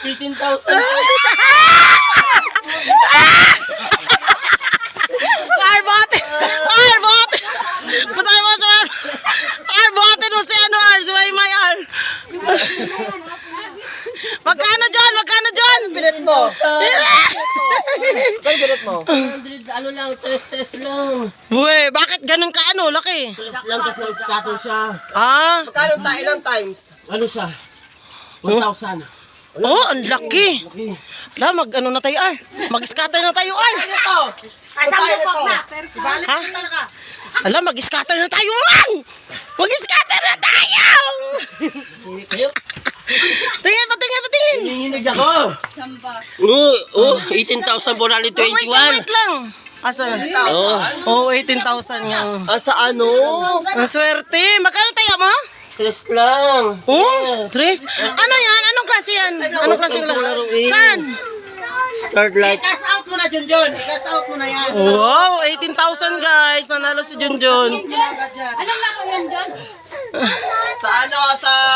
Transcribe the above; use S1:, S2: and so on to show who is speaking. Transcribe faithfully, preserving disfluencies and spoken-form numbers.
S1: eighteen thousand.
S2: Arbote! Arbote! Patay mo sa Arbote no si ano Ar, si May May Ar. Magkano John? Magkano John?
S1: Bilet mo. Kaya bilet mo? one hundred, ano lang, tres-tres lang.
S2: Uy, bakit ganun ka ano, laki?
S1: Tres lang kasi na-scatter siya.
S2: Ah,
S3: Magkano tayo ilang times?
S1: Ano siya? one thousand.
S2: oh, ang laki. Ala, mag ano na tayo Ar. Mag-scatter na tayo Ar.
S3: Ano to? Kasama nito.
S2: Ha? Ala, mag-scatter na tayo man! Mag-scatter na tayo!
S1: Kayo?
S2: Tingin, patingin, patingin!
S1: Hinihinig ako. Oh, oh, eighteen thousand four hundred
S2: Wait lang,
S1: twenty-one.
S2: wait lang. Asa?
S1: Oh,
S2: Oh, eighteen thousand yung...
S1: ah, sa ano?
S2: Ang swerte. Magkano tayo mo?
S1: Tres lang.
S2: Oh, Tris. Ano yan? Anong klase yan? Anong klase lang? Saan?
S1: Start like.
S3: Cash out mo na, Junjun. Cash out mo na yan.
S2: Wow, eighteen thousand guys. Nanalo si Junjun.
S4: Anong lako yan dyan?
S3: Sa ano, sa